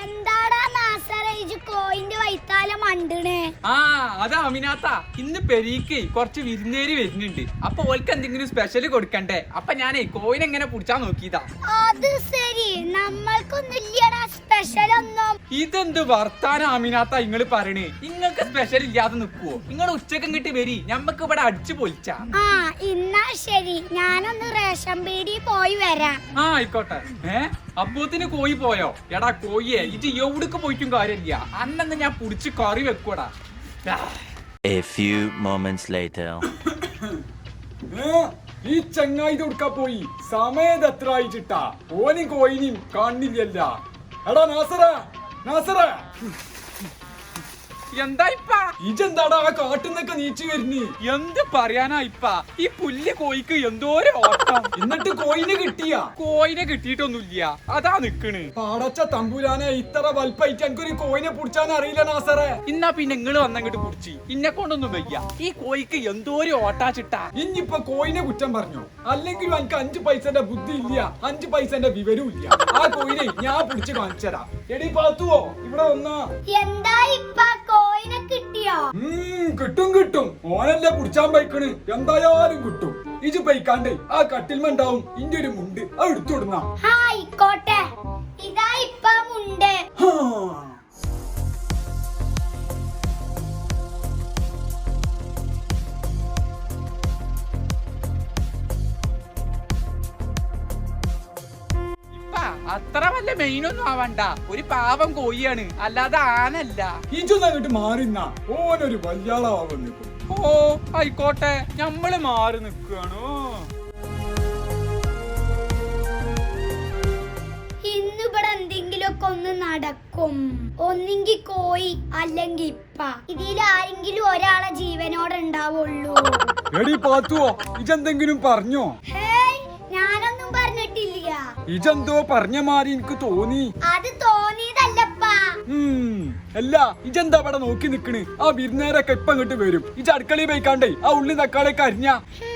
എന്താടാ നാസറേജ് കോയിന്റെ വൈത്താല മണ്ടണേ? അതാ അമിനാത്ത, ഇന്ന് പെരീക്ക് കുറച്ച് വിരുന്നേരി വരുന്നുണ്ട്. അപ്പൊ ഓൾക്ക് എന്തെങ്കിലും സ്പെഷ്യൽ കൊടുക്കണ്ടേ? അപ്പൊ ഞാനേ കോയിൻ എങ്ങനെ പിടിച്ചാ നോക്കിയതാ. അത് ശരി, നമ്മൾക്കൊന്നുമില്ലടാ സ്പെഷ്യൽ ഒന്നും. ഇതെന്ത് വർത്താനം അമിനാത്ത ഇങ്ങള് പറയണേ? നിങ്ങൾക്ക് സ്പെഷ്യൽ ഇല്ലാതെ നിക്കുവോ? നിങ്ങൾ ഉച്ചക്കം കിട്ടി വരി, ഞമ്മക്ക് ഇവിടെ അടിച്ചു പൊളിച്ചാ. ഇന്നാ ശരി, ഞാനൊന്ന് റേഷൻ പീടി പോയി വരാം. ആയിക്കോട്ടെ. അപ്പൂത്തിന് കോയി പോയോ? എടാ കോയിയെ, ഇത് എവിടേക്ക് പോയിട്ടും കാര്യമില്ല. അന്നെന്ന് ഞാൻ പുടിച്ച് കറി വെക്കൂടാ. A few moments later. ഈ ചങ്ങായി കൊടുക്കാ പോയി സമയത് എത്ര ആയിട്ടാ? ഓനും കോയിനും കാണില്ലല്ല. എടാ നാസറ എന്താ ഇപ്പാ? ഇജെന്താടാ ആ കാട്ടുന്നൊക്കെ നീച്ചു വരുന്നേ? എന്ത് പറയാനാ ഇപ്പാ? ഈ പുല്ല് കോയിക്ക് എന്തോരോ ഓട്ടം. എന്നിട്ട് കോയിന് കിട്ടിയാ? കോയിനെ കിട്ടിയിട്ടൊന്നുമില്ല, അതാ നിക്കണ്. പാടച്ച തമ്പുരാനെ, ഇത്ര വൽപ്പായിട്ട് എനിക്കൊരു കോയിനെ പിടിച്ചാൻ അറിയില്ല നാസറേ. ഇന്നാ പിന്നെ നിങ്ങള് വന്നങ്ങോട്ട് പിടിച്ച്, ഇന്നെ കൊണ്ടൊന്നും വയ്യ. ഈ കോയിക്ക് എന്തോരോ ഓട്ടാച്ചിട്ടാ. ഇനിയിപ്പൊ കോയിനെ കുറ്റം പറഞ്ഞോ? അല്ലെങ്കിലും എനിക്ക് 5 പൈസന്റെ ബുദ്ധി ഇല്ല, 5 പൈസന്റെ വിവരവും ഇല്ല. ആ കോയിനെ ഞാൻ പിടിച്ച് കാണിച്ചരാ. എടി പാത്തുവോ, ഇവിടെ വന്നാ. എന്താ ഇപ്പാ, കോയിനെ കിട്ടിയോ? കിട്ടും. ഓനല്ലേ പിടിച്ചാൻ പൈക്കണ്, എന്തായാലും കിട്ടും. ഇജ് പൈക്കാണ്ടേ ആ കട്ടിൽമണ്ടാവും ഇന്റെ ഒരു മുണ്ട്, അത് എടുത്തുവിടുന്ന. ആയിക്കോട്ടെ, ഇതാ ഇപ്പ മുണ്ട്. അത്ര വല്ല മെയിനൊന്നും ആവണ്ട. ഒരു പാവം കോയിയാണ്, അല്ലാതെ ആനല്ല. ഇജൊന്നും അങ്ങോട്ട് മാറിന്ന, ഓനൊരു വല്യാളാവാൻ നിൽക്കും. ആയിക്കോട്ടെ, ഞമ്മള് മാറി നിക്കാണോ? ഇന്നിവിടെ എന്തെങ്കിലുമൊക്കെ ഒന്ന് നടക്കും. ഒന്നെങ്കി കോയി, അല്ലെങ്കിൽ ഇപ്പ. ഇതിലാരെങ്കിലും ഒരാളെ ജീവനോടെ ഉണ്ടാവുള്ളൂ. എടി പാത്തുവോ, ഇജെന്തെങ്കിലും പറഞ്ഞോ? ഞാനൊന്നും പറഞ്ഞിട്ടില്ല. ഇജെന്തോ പറഞ്ഞ മാറി എനിക്ക് തോന്നി. അത് തോന്നിയതല്ലപ്പാ. അല്ല, ഇജെന്താ ഇവിടെ നോക്കി നിക്കണ്? ആ വിരുന്നേരൊക്കെ ഇപ്പൊ ഇങ്ങോട്ട് വരും. ഇജ് അടുക്കളയിൽ പോയിക്കാണ്ടേ ആ ഉള്ളി തക്കാളിയൊക്കെ അരിഞ്ഞ.